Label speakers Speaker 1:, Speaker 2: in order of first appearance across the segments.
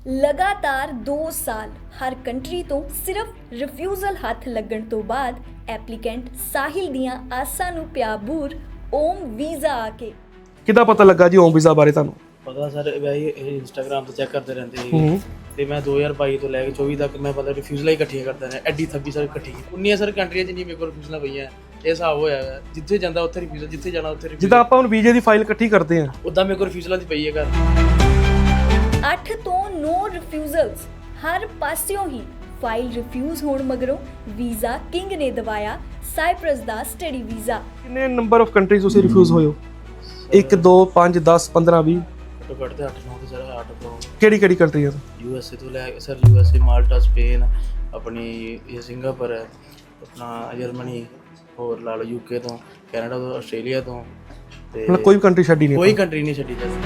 Speaker 1: ਲਗਾਤਾਰ 2 ਸਾਲ ਹਰ ਕੰਟਰੀ ਤੋਂ ਸਿਰਫ ਰਿਫਿਊਜ਼ਲ ਹੱਥ ਲੱਗਣ ਤੋਂ ਬਾਅਦ ਐਪਲੀਕੈਂਟ ਸਾਹਿਲ ਦੀਆਂ ਆਸਾਂ ਨੂੰ ਪਿਆ ਬੂਰ ਓਮ ਵੀਜ਼ਾ ਆ ਕੇ।
Speaker 2: ਕਿੱਦਾਂ ਪਤਾ ਲੱਗਾ ਜੀ ਓਮ ਵੀਜ਼ਾ ਬਾਰੇ ਤੁਹਾਨੂੰ?
Speaker 3: ਪਤਾ ਸਰ ਵੈਸੇ ਇਹ ਇੰਸਟਾਗ੍ਰਾਮ ਤੇ ਚੈੱਕ ਕਰਦੇ ਰਹਿੰਦੇ ਸੀ ਤੇ ਮੈਂ 2022 ਤੋਂ ਲੈ ਕੇ 24 ਤੱਕ ਮੈਂ ਪਤਾ ਰਿਫਿਊਜ਼ਲਾਂ ਹੀ ਇਕੱਠੀਆਂ ਕਰਦਾ ਰਿਹਾ। ਐਡੀ 26 ਸਰ ਇਕੱਠੀ 19 ਸਰ ਕੰਟਰੀਆਂ ਚ ਨਹੀਂ ਮੇਰੇ ਕੋਲ ਰਿਫਿਊਜ਼ਲਾਂ ਪਈਆਂ। ਇਹ ਹਿਸਾਬ ਹੋਇਆ ਹੈ, ਜਿੱਥੇ ਜਾਂਦਾ ਉੱਥੇ ਰਿਫਿਊਜ਼ਲ, ਜਿੱਥੇ ਜਾਣਾ ਉੱਥੇ ਰਿਫਿਊਜ਼ਲ।
Speaker 2: ਜਿੱਦਾਂ ਆਪਾਂ ਹੁਣ ਵੀਜ਼ੇ ਦੀ ਫਾਈਲ ਇਕੱਠੀ ਕਰਦੇ ਹਾਂ
Speaker 3: ਉਦਾਂ ਮੇਰੇ ਕੋਲ ਰਿਫਿਊਜ਼ਲਾਂ ਦੀ ਪਈ ਹੈ ਘਰ।
Speaker 1: 8 ਤੋਂ 9 ਰਿਫਿਊਜ਼ਲਸ ਹਰ ਪਾਸਿਓਂ ਹੀ। ਫਾਈਲ ਰਿਫਿਊਜ਼ ਹੋਣ ਮਗਰੋਂ ਵੀਜ਼ਾ ਕਿੰਗ ਨੇ ਦਵਾਇਆ ਸਾਈਪ੍ਰਸ ਦਾ ਸਟੱਡੀ ਵੀਜ਼ਾ।
Speaker 2: ਕਿੰਨੇ ਨੰਬਰ ਆਫ ਕੰਟਰੀਜ਼ ਤੁਸੀਂ ਰਿਫਿਊਜ਼ ਹੋਏ ਹੋ? 1 2 5 10 15 20?
Speaker 3: ਘੱਟੋ ਘੱਟ ਤੇ 8-9 ਤੇ ਸਰ 8 ਤੋਂ
Speaker 2: ਕਿਹੜੀ ਕਿਹੜੀ ਕੰਟਰੀਆਂ ਤੋਂ?
Speaker 3: USA ਤੋਂ ਲੈ ਕੇ ਸਰ USA, ਮਾਲਟਾ, ਸਪੇਨ, ਆਪਣੀ ਇਹ ਸਿੰਗਾਪੁਰ ਹੈ, ਆਪਣਾ ਜਰਮਨੀ, ਹੋਰ ਲਾ ਲਓ UK ਤੋਂ, ਕੈਨੇਡਾ ਤੋਂ, ਆਸਟ੍ਰੇਲੀਆ ਤੋਂ ਤੇ
Speaker 2: ਮਤਲਬ ਕੋਈ ਵੀ ਕੰਟਰੀ ਛੱਡੀ ਨਹੀਂ?
Speaker 3: ਕੋਈ ਕੰਟਰੀ ਨਹੀਂ ਛੱਡੀ ਸਰ।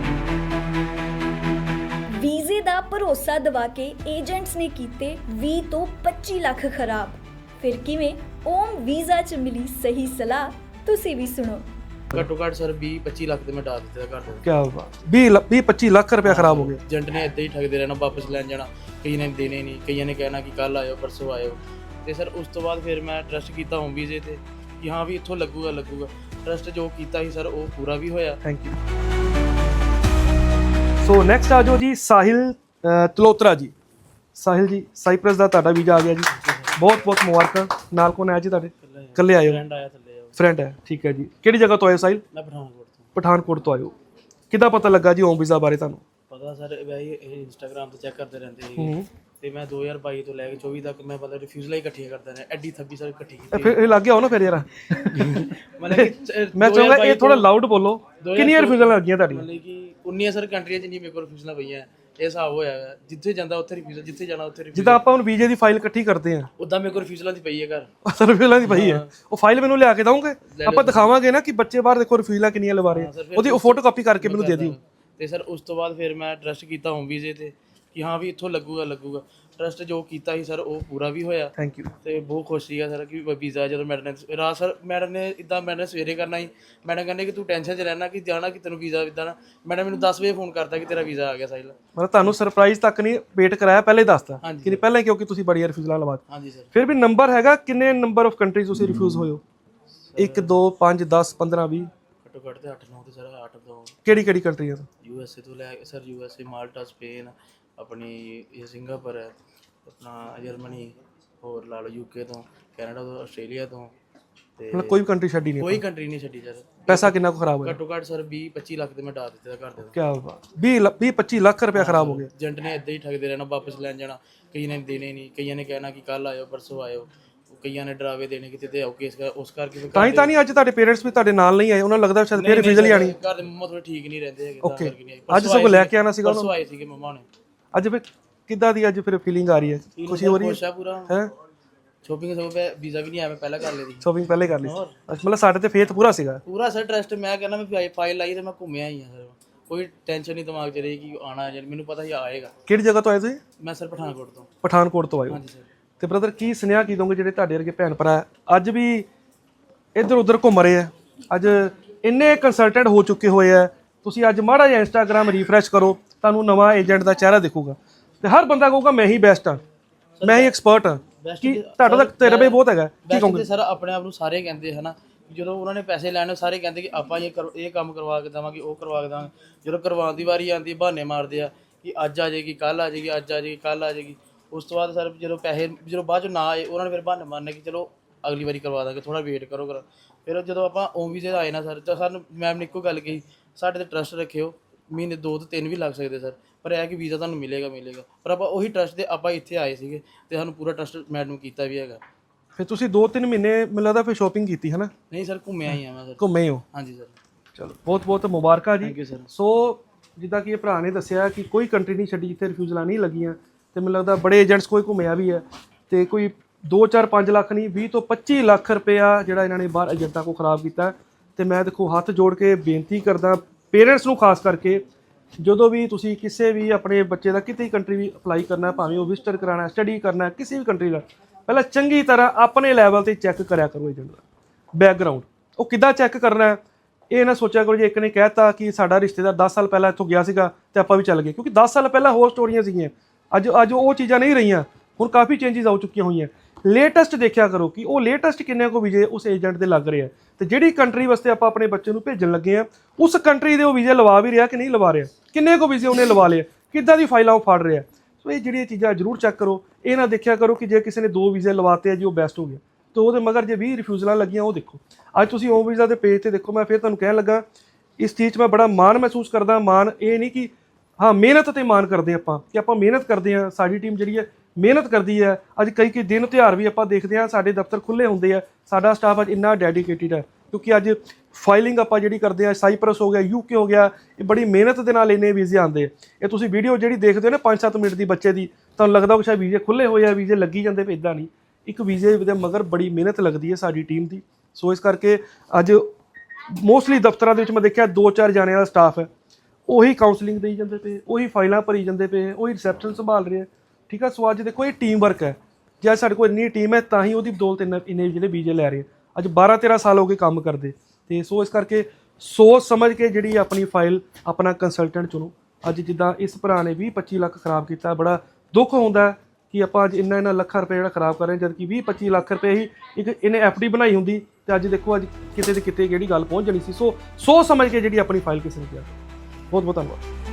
Speaker 1: ਵੀਜ਼ੇ ਦਾ ਭਰੋਸਾ ਦਵਾ ਕੇ ਏਜੰਟਸ ਨੇ ਕੀਤੇ 20 ਤੋਂ 25 ਲੱਖ ਖਰਾਬ। ਫਿਰ ਕਿਵੇਂ ਓਮ ਵੀਜ਼ਾ 'ਚ ਮਿਲੀ ਸਹੀ ਸਲਾਹ, ਤੁਸੀਂ ਵੀ ਸੁਣੋ।
Speaker 3: ਘੱਟੋ ਘੱਟ ਸਰ 20-25 ਲੱਖ ਤੇ ਮੈਂ ਡਾ ਦਿੱਤਾ ਘਰ ਦੇ।
Speaker 2: ਕਿਆ ਬਾਤ, 20-25 ਲੱਖ ਰੁਪਇਆ ਖਰਾਬ ਹੋ ਗਿਆ।
Speaker 3: ਏਜੰਟ ਨੇ ਇੱਦਾਂ ਹੀ ਠੱਗਦੇ ਰਹਿਣਾ, ਵਾਪਸ ਲੈਣ ਜਾਣਾ, ਕਈਆਂ ਨੇ ਦੇਣੇ ਨਹੀਂ, ਕਈਆਂ ਨੇ ਕਹਿਣਾ ਕਿ ਕੱਲ ਆਇਓ, ਪਰਸੋਂ ਆਇਓ। ਤੇ ਸਰ ਉਸ ਤੋਂ ਬਾਅਦ ਫਿਰ ਮੈਂ ਟਰਸਟ ਕੀਤਾ ਹੋਮ ਵੀਜ਼ੇ ਤੇ ਕਿ ਹਾਂ ਵੀ ਇੱਥੋਂ ਲੱਗੂਗਾ। ਟਰਸਟ ਜੋ ਕੀਤਾ ਸੀ ਸਰ ਉਹ ਪੂਰਾ ਵੀ ਹੋਇਆ।
Speaker 2: Thank you. ਸੋ ਨੈਕਸਟ ਆ ਜਾਓ ਜੀ ਸਾਹਿਲ ਤਲੋਤਰਾ ਜੀ। ਸਾਹਿਲ ਜੀ, ਸਾਈਪ੍ਰਸ ਦਾ ਤੁਹਾਡਾ ਵੀਜ਼ਾ ਆ ਗਿਆ ਜੀ, ਬਹੁਤ ਬਹੁਤ ਮੁਬਾਰਕਾਂ। ਨਾਲ ਕੋਣ ਆਇਆ ਜੀ ਤੁਹਾਡੇ? ਇਕੱਲੇ ਆਏ ਹੋ?
Speaker 3: ਫਰੈਂਡ ਆਇਆ ਥੱਲੇ ਉਹ।
Speaker 2: ਫਰੈਂਡ ਹੈ, ਠੀਕ ਹੈ ਜੀ। ਕਿਹੜੀ ਜਗ੍ਹਾ ਤੋਂ ਆਏ ਹੋ ਸਾਹਿਲ?
Speaker 3: ਮੈਂ ਪਠਾਨਕੋਟ ਤੋਂ।
Speaker 2: ਪਠਾਨਕੋਟ ਤੋਂ ਆਏ ਹੋ। ਕਿੱਦਾਂ ਪਤਾ ਲੱਗਾ ਜੀ ਓਮ ਵੀਜ਼ਾ ਬਾਰੇ ਤੁਹਾਨੂੰ?
Speaker 3: ਪਤਾ ਸਰ ਵੈਸੇ ਇਹ ਇੰਸਟਾਗ੍ਰਾਮ ਤੇ ਚੈੱਕ ਕਰਦੇ ਰਹਿੰਦੇ ਸੀ ਤੇ ਮੈਂ 2022 ਤੋਂ ਲੈ ਕੇ 24 ਤੱਕ ਮੈਂ ਪਤਾ ਰਿਫਿਊਜ਼ਲਾਂ ਹੀ ਇਕੱਠੀਆਂ ਕਰਦਾ ਰਿਹਾ। ਐਡੀ 26 ਸਰ ਇਕੱਠੀ
Speaker 2: ਫਿਰ ਇਹ ਲੱਗ ਗਿਆ ਹੋ ਨਾ ਫਿਰ ਯਾਰ।
Speaker 3: ਮਤਲਬ ਕਿ
Speaker 2: ਮੈਂ ਚਾਹੁੰਦਾ ਇਹ ਥੋੜਾ ਲਾਊਡ ਬੋਲੋ। ਕਿੰਨੀਆਂ ਰਿਫਿਊਜ਼ਲਾਂ ਲੱਗੀਆਂ ਤੁਹਾਡੀਆਂ?
Speaker 3: ਮਤਲਬ ਕਿ 19 ਸਰ ਕੰਟਰੀਆਂ ਚ ਨਹੀਂ ਮੇਰੇ ਕੋਲ ਰਿਫਿਊਜ਼ਲਾਂ ਪਈਆਂ। ਇਹ ਹਿਸਾਬ ਹੋਇਆ ਹੈ, ਜਿੱਥੇ ਜਾਂਦਾ ਉੱਥੇ ਰਿਫਿਊਜ਼ਲ, ਜਿੱਥੇ ਜਾਣਾ ਉੱਥੇ ਰਿਫਿਊਜ਼ਲ।
Speaker 2: ਜਿੱਦਾਂ ਆਪਾਂ ਹੁਣ ਵੀਜ਼ੇ ਦੀ ਫਾਈਲ ਇਕੱਠੀ ਕਰਦੇ ਹਾਂ
Speaker 3: ਉਦਾਂ ਮੇਰੇ ਕੋਲ ਰਿਫਿਊਜ਼ਲਾਂ ਦੀ ਪਈ ਹੈ ਘਰ।
Speaker 2: ਰਿਫਿਊਜ਼ਲਾਂ ਦੀ ਪਈ ਹੈ। ਉਹ ਫਾਈਲ ਮੈਨੂੰ ਲਿਆ ਕੇ ਦਓਗੇ? ਆਪਾਂ ਦਿਖਾਵਾਂਗੇ ਨਾ ਕਿ ਬੱਚੇ ਬਾਹਰ ਦੇਖੋ ਰਿਫਿਊਜ਼ਲਾਂ ਕਿੰਨੀਆਂ ਲਵਾ ਰਹੇ ਆ। ਉਹਦੀ ਫੋਟੋ ਕਾਪੀ ਕਰਕੇ ਮੈਨੂੰ ਦੇ ਦਿਓ।
Speaker 3: ਤੇ ਸਰ ਉਸ ਤੋਂ ਬਾਅਦ ਫਿਰ ਮੈਂ ਟਰਸਟ ਕੀਤਾ ਹੋਮ ਵੀਜ਼ੇ ਤੇ ਕਿ ਹਾਂ ਵੀ ਇੱਥੋਂ ਲੱਗੂਗਾ। ਟਰਸਟ ਜੋ ਕੀਤਾ ਸੀ ਸਰ ਉਹ ਪੂਰਾ ਵੀ ਹੋਇਆ।
Speaker 2: Thank you.
Speaker 3: ਤੇ ਬਹੁਤ ਖੁਸ਼ ਸੀਗਾ ਸਰ ਕਿ ਵੀਜ਼ਾ ਜਦੋਂ ਮੈਡਮ ਨੇ ਸਵੇਰੇ ਕਰਨਾ ਸੀ। ਮੈਡਮ ਕਹਿੰਦੇ ਕਿ ਤੂੰ ਟੈਨਸ਼ਨ 'ਚ ਰਹਿਣਾ ਕਿ ਜਾਣਾ ਕਿ ਤੈਨੂੰ ਵੀਜ਼ਾ ਇੱਦਾਂ ਨਾ। ਮੈਡਮ ਮੈਨੂੰ 10 ਵਜੇ ਫੋਨ ਕਰਤਾ ਕਿ ਤੇਰਾ ਵੀਜ਼ਾ ਆ ਗਿਆ ਸਾਹਿਲ।
Speaker 2: ਮਤਲਬ ਤੁਹਾਨੂੰ ਸਰਪ੍ਰਾਈਜ਼ ਤੱਕ ਨਹੀਂ ਵੇਟ ਕਰਾਇਆ, ਪਹਿਲੇ ਦੱਸਤਾ
Speaker 3: ਹਾਂਜੀ
Speaker 2: ਕਿ ਪਹਿਲਾਂ, ਕਿਉਂਕਿ ਤੁਸੀਂ ਬੜੀਆਂ ਰਿਫਿਊਜ਼ਲਾਂ ਲਵਾਤੀ।
Speaker 3: ਹਾਂਜੀ ਸਰ।
Speaker 2: ਫਿਰ ਵੀ ਨੰਬਰ ਹੈਗਾ ਕਿੰਨੇ ਨੰਬਰ ਆਫ ਕੰਟਰੀਜ਼ ਤੁਸੀਂ ਰਿਫਿਊਜ਼ ਹੋਏ ਹੋ? 1 2 5 10 15 20?
Speaker 3: ਘੱਟੋ ਘੱਟ ਤੇ 8-9 ਤੇ ਸਰ 8 ਤੋਂ।
Speaker 2: ਕਿਹੜੀ ਕਿਹੜੀ ਕੰਟਰੀਆਂ ਤੋਂ?
Speaker 3: USA ਤੋਂ ਲੈ ਕੇ ਸਰ USA, ਮਾਲਟਾ, ਸਪੇਨ, ਆਪਣੀ ਇਹ ਸਿੰਗਾਪੁਰ ਹੈ, ਆਪਣਾ ਜਰਮਨੀ, ਹੋਰ ਲਾ ਲਓ UK ਤੋਂ, ਕੈਨੇਡਾ ਤੋਂ, ਆਸਟ੍ਰੇਲੀਆ ਤੋਂ ਤੇ
Speaker 2: ਮਤਲਬ ਕੋਈ ਵੀ ਕੰਟਰੀ ਛੱਡੀ ਨਹੀਂ?
Speaker 3: ਕੋਈ ਕੰਟਰੀ ਨਹੀਂ ਛੱਡੀ ਸਰ।
Speaker 2: ਪੈਸਾ ਕਿੰਨਾ ਕੁ ਖਰਾਬ ਹੋਇਆ?
Speaker 3: ਘੱਟੋ ਘੱਟ ਸਰ 20-25 ਲੱਖ ਤੇ ਮੈਂ ਡਾ ਦਿੱਤਾ ਘਰ ਦੇ।
Speaker 2: ਕਿਆ ਬਾਤ, 20-25 ਲੱਖ ਰੁਪਇਆ ਖਰਾਬ ਹੋ ਗਿਆ।
Speaker 3: ਏਜੰਟ ਨੇ ਇੱਦਾਂ ਹੀ ਠੱਗਦੇ ਰਹਿਣਾ, ਵਾਪਸ ਲੈਣ ਜਾਣਾ, ਕਈਆਂ ਨੇ ਦੇਣੇ ਨਹੀਂ, ਕਈਆਂ ਨੇ ਕਹਿਣਾ ਕਿ ਕੱਲ ਆਇਓ, ਪਰਸੋਂ ਆਇਓ, ਕਈਆਂ ਨੇ ਡਰਾਵੇ ਦੇਣੇ ਕਿ ਤੇ ਆਓ ਕੇਸ ਕਰ। ਉਸ ਕਰਕੇ
Speaker 2: ਤਾਂ ਹੀ ਅੱਜ ਤੁਹਾਡੇ ਪੇਰੈਂਟਸ ਵੀ ਤੁਹਾਡੇ ਨਾਲ ਨਹੀਂ ਆਏ? ਉਹਨਾਂ ਨੂੰ ਲੱਗਦਾ ਸ਼ਾਇਦ ਫਿਰ ਰਿਫਿਊਜ਼ਲ ਹੀ ਆਣੀ।
Speaker 3: ਘਰ ਦੇ ਮੰਮਾ ਥੋੜੇ ਠੀਕ ਨਹੀਂ ਰਹਿੰਦੇ ਹੈਗੇ,
Speaker 2: ਓਕੇ, ਅੱਜ ਸਗੋਂ ਲੈ ਕੇ ਆਣਾ ਸੀਗਾ ਉਹਨਾਂ
Speaker 3: ਨੂੰ। ਆਏ ਸੀਗੇ ਮੰਮਾ ਨੇ
Speaker 2: ਅੱਜ। ਫਿਰ ਕਿੱਦਾਂ ਦੀ ਅੱਜ ਫਿਰ ਫੀਲਿੰਗ ਆ ਰਹੀ ਹੈ? ਖੁਸ਼ੀ ਹੋ ਰਹੀ ਹੈ?
Speaker 3: ਖੁਸ਼ ਆ ਪੂਰਾ।
Speaker 2: ਹੈ
Speaker 3: ਸ਼ੋਪਿੰਗ ਸਭ ਵੀਜ਼ਾ ਵੀ ਨਹੀਂ ਆਇਆ, ਮੈਂ ਪਹਿਲਾਂ ਕਰ ਲਈ ਸੀ
Speaker 2: ਸ਼ੋਪਿੰਗ ਪਹਿਲੇ ਕਰ ਲਈ ਸੀ। ਮਤਲਬ ਸਾਡੇ ਤੇ ਫੇਥ ਪੂਰਾ ਸੀਗਾ।
Speaker 3: ਪੂਰਾ ਸਰ ਟਰਸਟ। ਮੈਂ ਕਹਿੰਦਾ ਮੈਂ ਫਾਈਲ ਲਾਈ ਤੇ ਮੈਂ ਘੁੰਮਿਆ ਹੀ ਆ ਸਰ। ਕੋਈ ਟੈਨਸ਼ਨ ਨਹੀਂ ਦਿਮਾਗ 'ਚ ਰਹੀ ਕਿ ਆਣਾ ਹੈ, ਮੈਨੂੰ ਪਤਾ ਹੀ ਆਏਗਾ।
Speaker 2: ਕਿਹੜੀ ਜਗ੍ਹਾ ਤੋਂ ਆਏ ਤੁਸੀਂ?
Speaker 3: ਮੈਂ ਸਰ ਪਠਾਨਕੋਟ ਤੋਂ।
Speaker 2: ਪਠਾਨਕੋਟ ਤੋਂ ਆਏ ਹੋ।
Speaker 3: ਹਾਂਜੀ ਸਰ।
Speaker 2: ਤੇ ਬ੍ਰਦਰ ਕੀ ਸੁਨੇਹਾ ਕੀ ਦੋਗੇ ਜਿਹੜੇ ਤੁਹਾਡੇ ਵਰਗੇ ਭੈਣ ਭਰਾ ਅੱਜ ਵੀ ਇੱਧਰ ਉੱਧਰ ਘੁੰਮ ਰਹੇ ਆ? ਅੱਜ ਇੰਨੇ ਕੰਸਲਟੈਂਟ ਹੋ ਚੁੱਕੇ ਹੋਏ ਆ। ਤੁਸੀਂ ਅੱਜ ਮਾੜਾ ਜਿਹਾ ਇੰਸਟਾਗ੍ਰਾਮ ਰੀਫਰੈਸ਼ ਕਰੋ, ਤੁਹਾਨੂੰ ਨਵਾਂ ਏਜੰਟ ਦਾ ਚਿਹਰਾ ਦਿਖੂਗਾ ਤੇ ਹਰ ਬੰਦਾ ਕਹੂਗਾ ਮੈਂ ਹੀ ਬੈਸਟ ਹਾਂ, ਮੈਂ ਹੀ ਐਕਸਪਰਟ ਹਾਂ। ਕੀ ਤੁਹਾਡਾ ਤਾਂ ਤਜਰਬਾ ਬਹੁਤ ਹੈਗਾ, ਕੀ ਕਹੋਗੇ?
Speaker 3: ਸਰ ਆਪਣੇ ਆਪ ਨੂੰ ਸਾਰੇ ਕਹਿੰਦੇ ਹਨਾ, ਜਦੋਂ ਉਹਨਾਂ ਨੇ ਪੈਸੇ ਲੈਣੇ ਸਾਰੇ ਕਹਿੰਦੇ ਕਿ ਆਪਾਂ ਇਹ ਕੰਮ ਕਰਵਾ ਕੇ ਦੇਵਾਂਗੇ, ਉਹ ਕਰਵਾ ਕੇ ਦੇਵਾਂਗੇ। ਜਦੋਂ ਕਰਵਾਉਣ ਦੀ ਵਾਰੀ ਆਉਂਦੀ ਬਹਾਨੇ ਮਾਰਦੇ ਆ ਕਿ ਅੱਜ ਆ ਜਾਏਗੀ, ਕੱਲ ਆ ਜਾਏਗੀ, ਅੱਜ ਆ ਜਾਏਗੀ, ਕੱਲ ਆ ਜਾਏਗੀ। ਉਸ ਤੋਂ ਬਾਅਦ ਸਰ ਜਦੋਂ ਪੈਸੇ ਬਾਅਦ 'ਚੋਂ ਨਾ ਆਏ, ਉਹਨਾਂ ਨੇ ਫਿਰ ਬਹਾਨੇ ਮਾਰਨੇ ਕਿ ਚਲੋ ਅਗਲੀ ਵਾਰੀ ਕਰਵਾ ਦਾਂਗੇ, ਥੋੜਾ ਵੇਟ ਕਰੋ। ਫਿਰ ਜਦੋਂ ਆਪਾਂ ਓਮ ਵੀਜ਼ੇ ਆਏ ਨਾ ਸਰ, ਤਾਂ ਸਾਨੂੰ ਮੈਮ ਨੇ ਇੱਕੋ ਗੱਲ ਕਹੀ, ਸਾਡੇ ਤੇ ਟਰਸਟ ਰੱਖਿਓ, ਮਹੀਨੇ 2 ਤੋਂ 3 ਵੀ ਲੱਗ ਸਕਦੇ ਸਰ, ਪਰ ਇਹ ਕਿ ਵੀਜ਼ਾ ਤੁਹਾਨੂੰ ਮਿਲੇਗਾ। ਪਰ ਆਪਾਂ ਉਹੀ ਟਰਸਟ ਦੇ ਆਪਾਂ ਇੱਥੇ ਆਏ ਸੀਗੇ ਤੇ ਸਾਨੂੰ ਪੂਰਾ ਟਰਸਟ ਮੈਡਮ ਕੀਤਾ ਵੀ ਹੈਗਾ।
Speaker 2: ਫਿਰ ਤੁਸੀਂ 2-3 ਮਹੀਨੇ ਮੈਨੂੰ ਲੱਗਦਾ ਫਿਰ ਸ਼ੋਪਿੰਗ ਕੀਤੀ ਹੈ ਨਾ?
Speaker 3: ਨਹੀਂ ਸਰ, ਘੁੰਮਿਆ ਹੀ ਆ ਮੈਂ ਸਰ।
Speaker 2: ਘੁੰਮੇ ਹੋ?
Speaker 3: ਹਾਂਜੀ ਸਰ।
Speaker 2: ਚਲੋ ਬਹੁਤ ਬਹੁਤ ਮੁਬਾਰਕਾਂ ਜੀ।
Speaker 3: Thank you sir.
Speaker 2: ਸੋ ਜਿੱਦਾਂ ਕਿ ਇਹ ਭਰਾ ਨੇ ਦੱਸਿਆ ਕਿ ਕੋਈ ਕੰਟਰੀ ਨਹੀਂ ਛੱਡੀ ਜਿੱਥੇ ਰਿਫਿਊਜ਼ਲਾਂ ਨਹੀਂ ਲੱਗੀਆਂ। ਤੇ ਮੈਨੂੰ ਲੱਗਦਾ ਬੜੇ ਏਜੰਟਸ ਕੋਈ ਘੁੰਮਿਆ ਵੀ ਹੈ ਤੇ ਕੋਈ 2-4-5 ਲੱਖ ਨਹੀਂ, 20 ਤੋਂ 25 ਲੱਖ ਰੁਪਇਆ ਜਿਹੜਾ ਇਹਨਾਂ ਨੇ ਬਾਹਰ ਏਜੰਟਾਂ ਕੋਲ ਖਰਾਬ ਕੀਤਾ। ਤੇ ਮੈਂ ਦੇਖੋ ਹੱਥ ਜੋੜ ਕੇ ਬੇਨਤੀ ਕਰਦਾ ਪੇਰੈਂਟਸ ਨੂੰ, ਖਾਸ ਕਰਕੇ ਜਦੋਂ ਵੀ ਤੁਸੀਂ ਕਿਸੇ ਵੀ ਆਪਣੇ ਬੱਚੇ ਦਾ ਕਿਤੇ ਕੰਟਰੀ ਵੀ ਅਪਲਾਈ ਕਰਨਾ, ਭਾਵੇਂ ਉਹ ਵਿਜ਼ਟਰ ਕਰਾਉਣਾ, ਸਟੱਡੀ ਕਰਨਾ, ਕਿਸੇ ਵੀ ਕੰਟਰੀ ਦਾ, ਪਹਿਲਾਂ ਚੰਗੀ ਤਰ੍ਹਾਂ ਆਪਣੇ ਲੈਵਲ ਤੇ ਚੈੱਕ ਕਰਿਆ ਕਰੋ ਏਜੰਟ ਦਾ ਬੈਕਗਰਾਉਂਡ। ਉਹ ਕਿੱਦਾਂ ਚੈੱਕ ਕਰਨਾ ਹੈ? ਇਹ ਨਾ ਸੋਚਿਆ ਕਰੋ ਜੇ ਇੱਕ ਨੇ ਕਹਿਤਾ ਕਿ ਸਾਡਾ ਰਿਸ਼ਤੇਦਾਰ 10 ਸਾਲ ਪਹਿਲਾਂ ਇੱਥੋਂ ਗਿਆ ਸੀਗਾ ਤੇ ਆਪਾਂ ਵੀ ਚੱਲ ਗਏ, ਕਿਉਂਕਿ 10 ਸਾਲ ਪਹਿਲਾਂ ਹੋਰ ਸਟੋਰੀਆਂ ਸੀਗੀਆਂ, ਅੱਜ ਉਹ ਚੀਜ਼ਾਂ ਨਹੀਂ ਰਹੀਆਂ, ਹੁਣ ਕਾਫੀ ਚੇਂਜਸ ਆ ਚੁੱਕੀਆਂ ਹੋਈਆਂ। ਲੇਟੈਸਟ ਦੇਖਿਆ ਕਰੋ ਕਿ ਉਹ ਲੇਟੈਸਟ ਕਿੰਨੇ ਕੋ ਵੀਜ਼ੇ ਉਸ ਏਜੰਟ ਦੇ ਲੱਗ ਰਹੇ ਆ, ਤੇ ਜਿਹੜੀ ਕੰਟਰੀ ਵਾਸਤੇ ਆਪਾਂ ਆਪਣੇ ਬੱਚੇ ਨੂੰ ਭੇਜਣ ਲੱਗੇ ਆ ਉਸ ਕੰਟਰੀ ਦੇ ਉਹ ਵੀਜ਼ੇ ਲਵਾ ਵੀ ਰਿਹਾ ਕਿ ਨਹੀਂ ਲਵਾ ਰਿਹਾ, ਕਿੰਨੇ ਕੋ ਵੀਜ਼ੇ ਉਹਨੇ ਲਵਾ ਲਏ, ਕਿੱਦਾਂ ਦੀ ਫਾਈਲਾਂ ਉਹ ਫੜ ਰਿਹਾ। ਸੋ ਇਹ ਜਿਹੜੀਆਂ ਚੀਜ਼ਾਂ ਜ਼ਰੂਰ ਚੈੱਕ ਕਰੋ। ਇਹ ਨਾ ਦੇਖਿਆ ਕਰੋ ਕਿ ਜੇ ਕਿਸੇ ਨੇ 2 ਵੀਜ਼ੇ ਲਵਾਤੇ ਆ ਜੀ ਉਹ ਬੈਸਟ ਹੋ ਗਿਆ, ਤੇ ਉਹਦੇ ਮਗਰ ਜੇ 20 ਰਿਫਿਊਜ਼ਲਾਂ ਲੱਗੀਆਂ ਉਹ ਦੇਖੋ। ਅੱਜ ਤੁਸੀਂ ਹੋਮ ਵੀਜ਼ਾ ਦੇ ਪੇਜ ਤੇ ਦੇਖੋ, ਮੈਂ ਫਿਰ ਤੁਹਾਨੂੰ ਕਹਿਣ ਲੱਗਾ ਇਸ ਚੀਜ਼ 'ਚ ਮੈਂ ਬੜਾ ਮਾਣ ਮਹਿਸੂਸ ਕਰਦਾ। ਮਾਣ ਇਹ ਨਹੀਂ ਕਿ ਹਾਂ ਮਿਹਨਤ ਤੇ ਮਾਣ ਕਰਦੇ ਆਪਾਂ ਕਿ ਆਪਾਂ ਮਿਹਨਤ ਕਰਦੇ ਹਾਂ, ਸਾਡੀ ਟੀਮ ਜਿਹੜੀ ਹੈ ਮਿਹਨਤ ਕਰਦੀ ਹੈ। ਅੱਜ ਕਈ ਦਿਨ ਤਿਉਹਾਰ ਵੀ ਆਪਾਂ ਦੇਖਦੇ ਹਾਂ ਸਾਡੇ ਦਫ਼ਤਰ ਖੁੱਲ੍ਹੇ ਹੁੰਦੇ ਆ, ਸਾਡਾ ਸਟਾਫ ਅੱਜ ਇੰਨਾ ਡੈਡੀਕੇਟਿਡ ਹੈ ਕਿਉਂਕਿ ਅੱਜ ਫਾਈਲਿੰਗ ਆਪਾਂ ਜਿਹੜੀ ਕਰਦੇ ਆ, ਸਾਈਪਰਸ ਹੋ ਗਿਆ, UK ਹੋ ਗਿਆ, ਇਹ ਬੜੀ ਮਿਹਨਤ ਦੇ ਨਾਲ ਇੰਨੇ ਵੀਜ਼ੇ ਆਉਂਦੇ। ਇਹ ਤੁਸੀਂ ਵੀਡੀਓ ਜਿਹੜੀ ਦੇਖਦੇ ਹੋ ਨਾ 5-7 ਮਿੰਟ ਦੀ ਬੱਚੇ ਦੀ, ਤੁਹਾਨੂੰ ਲੱਗਦਾ ਕਿ ਸ਼ਾਇਦ ਵੀਜ਼ੇ ਖੁੱਲ੍ਹੇ ਹੋਏ ਆ, ਵੀਜ਼ੇ ਲੱਗੀ ਜਾਂਦੇ, ਪਰ ਇੱਦਾਂ ਨਹੀਂ, ਇੱਕ ਵੀਜ਼ੇ ਦੇ ਮਗਰ ਬੜੀ ਮਿਹਨਤ ਲੱਗਦੀ ਹੈ ਸਾਡੀ ਟੀਮ ਦੀ। ਸੋ ਇਸ ਕਰਕੇ ਅੱਜ ਮੋਸਟਲੀ ਦਫ਼ਤਰਾਂ ਦੇ ਵਿੱਚ ਮੈਂ ਦੇਖਿਆ 2-4 ਜਾਣਿਆਂ ਦਾ ਸਟਾਫ ਹੈ, ਉਹੀ ਕਾਉਂਸਲਿੰਗ ਦੇਈ ਜਾਂਦੇ ਪਏ, ਉਹੀ ਫਾਈਲਾਂ ਭਰੀ ਜਾਂਦੇ ਪਏ, ਉਹੀ ਰਿਸੈਪਸ਼ਨ ਸੰਭਾਲ ਰਹੇ ਆ, ਠੀਕ ਆ। ਸੋ ਅੱਜ ਦੇਖੋ ਇਹ ਟੀਮ ਵਰਕ ਹੈ, ਜੇ ਸਾਡੇ ਕੋਲ ਇੰਨੀ ਟੀਮ ਹੈ ਤਾਂ ਹੀ ਉਹਦੀ ਬਦੌਲਤ ਇੰਨੇ ਜਿਹੜੇ ਵੀਜ਼ੇ ਲੈ ਰਹੇ ਅੱਜ 12-13 ਸਾਲ ਹੋ ਗਏ ਕੰਮ ਕਰਦੇ। ਤੇ ਸੋ ਇਸ ਕਰਕੇ ਸੋਚ ਸਮਝ ਕੇ ਜਿਹੜੀ ਆਪਣੀ ਫਾਈਲ ਆਪਣਾ ਕੰਸਲਟੈਂਟ ਚੁਣੋ। ਅੱਜ ਜਿੱਦਾਂ ਇਸ ਭਰਾ ਨੇ 20-25 ਲੱਖ ਖਰਾਬ ਕੀਤਾ, ਬੜਾ ਦੁੱਖ ਹੁੰਦਾ ਕਿ ਆਪਾਂ ਅੱਜ ਇੰਨਾ ਲੱਖਾਂ ਰੁਪਏ ਜਿਹੜਾ ਖਰਾਬ ਕਰ ਰਹੇ, ਜਦ ਕਿ 20-25 ਲੱਖ ਰੁਪਏ ਹੀ ਇੱਕ ਇਹਨੇ FD ਬਣਾਈ ਹੁੰਦੀ ਤੇ ਅੱਜ ਦੇਖੋ ਅੱਜ ਕਿਤੇ ਤੇ ਕਿਤੇ ਜਿਹੜੀ ਗੱਲ ਪਹੁੰਚ ਜਾਣੀ ਸੀ। ਸੋ ਸੋਚ ਸਮਝ ਕੇ ਜਿਹੜੀ ਆਪਣੀ ਫਾਈਲ ਕਿਸੇ ਨੇ ਕਿਹਾ। ਬਹੁਤ ਬਹੁਤ ਧੰਨਵਾਦ।